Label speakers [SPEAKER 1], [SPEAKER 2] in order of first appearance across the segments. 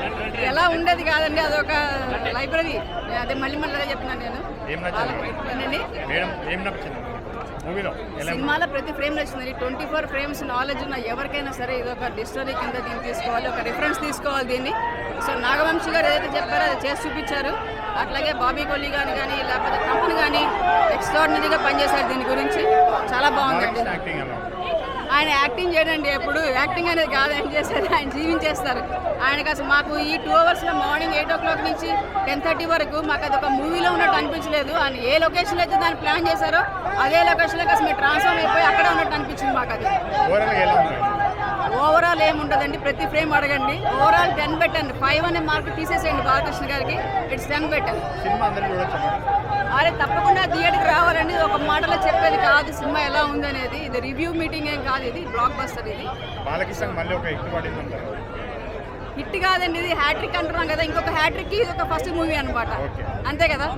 [SPEAKER 1] ఎలా ఉండేది కాదండి, అదొక లైబ్రరీ. అదే మళ్ళీ మళ్ళీ చెప్తున్నాను నేను. సినిమాలో ప్రతి ఫ్రేమ్ నచ్చింది. 24 ఫ్రేమ్స్ నాలెడ్జ్ ఉన్న ఎవరికైనా సరే ఇది ఒక డిస్టరీ కింద దీన్ని తీసుకోవాలి, ఒక రిఫరెన్స్ తీసుకోవాలి దీన్ని. సో నాగవంశీ గారు ఏదైతే చెప్పారో అది చేసి చూపించారు. అట్లాగే బాబీ కొల్లి కానీ లేకపోతే కంపెనీ కానీ ఎక్స్ట్రాడినరీగా పనిచేశారు. దీని గురించి చాలా బాగుందండి. ఆయన యాక్టింగ్ చేయడండి, ఎప్పుడు యాక్టింగ్ అనేది కాదు ఆయన చేశారు, ఆయన జీవించేస్తారు. ఆయనకు అసలు మాకు ఈ 2 అవర్స్లో మార్నింగ్ 8 o'clock నుంచి 10:30 వరకు మాకు అది ఒక మూవీలో ఉన్నట్టు అనిపించలేదు. ఆయన ఏ లొకేషన్లో అయితే దాన్ని ప్లాన్ చేశారో అదే లొకేషన్లోకి అసలు మీరు ట్రాన్స్ఫార్మ్ అయిపోయి అక్కడే ఉన్నట్టు అనిపించింది మాకు. అది ఓవరాల్ ఏముండదండి, ప్రతి ఫ్రేమ్ అడగండి. ఓవరాల్ 10 పెట్టండి, 5 అనే మార్క్ తీసేసేయండి బాలకృష్ణ గారికి. ఇట్స్ 10 పెట్టండి. అరే తప్పకుండా థియేటర్కి రావాలండి. ఒక మాటలో చెప్పేది కాదు సినిమా ఎలా ఉందనేది. ఇది రివ్యూ మీటింగ్ ఏం కాదు, ఇది బ్లాక్ బస్టర్. ఇది హిట్ కాదండి, ఇది హ్యాట్రిక్ అంటున్నాం కదా. ఇంకొక హ్యాట్రిక్ ఇది ఒక ఫస్ట్ మూవీ అనమాట, అంతే కదా.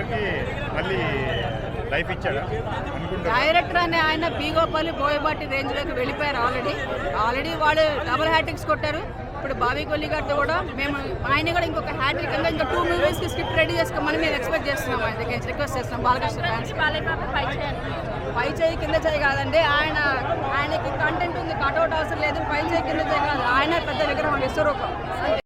[SPEAKER 1] డైరెక్టర్ అనే ఆయన బి గోపాల్ బోయబాటి రేంజ్లోకి వెళ్ళిపోయారు. ఆల్రెడీ వాళ్ళు డబుల్ హ్యాట్రిక్స్ కొట్టారు. ఇప్పుడు బాబీ కొల్లి గారితో కూడా మేము ఆయన కూడా ఇంకొక హ్యాట్రిక్ కింద ఇంకా 2 మూవీస్కి స్క్రిప్ట్ రెడీ చేసుకోమని మేము ఎక్స్పెక్ట్ చేస్తున్నాం. ఆయన దగ్గర రిక్వెస్ట్ చేస్తున్నాం బాలకృష్ణ ఫ్యాన్స్. పై చేయి కింద చేయి కాదండి, ఆయనకి కంటెంట్ ఉంది, కట్అవుట్ అవసరం లేదు. పై చేయి కింద చేయి కాదు, ఆయన పెద్ద విగ్రహం విశ్వరూపం.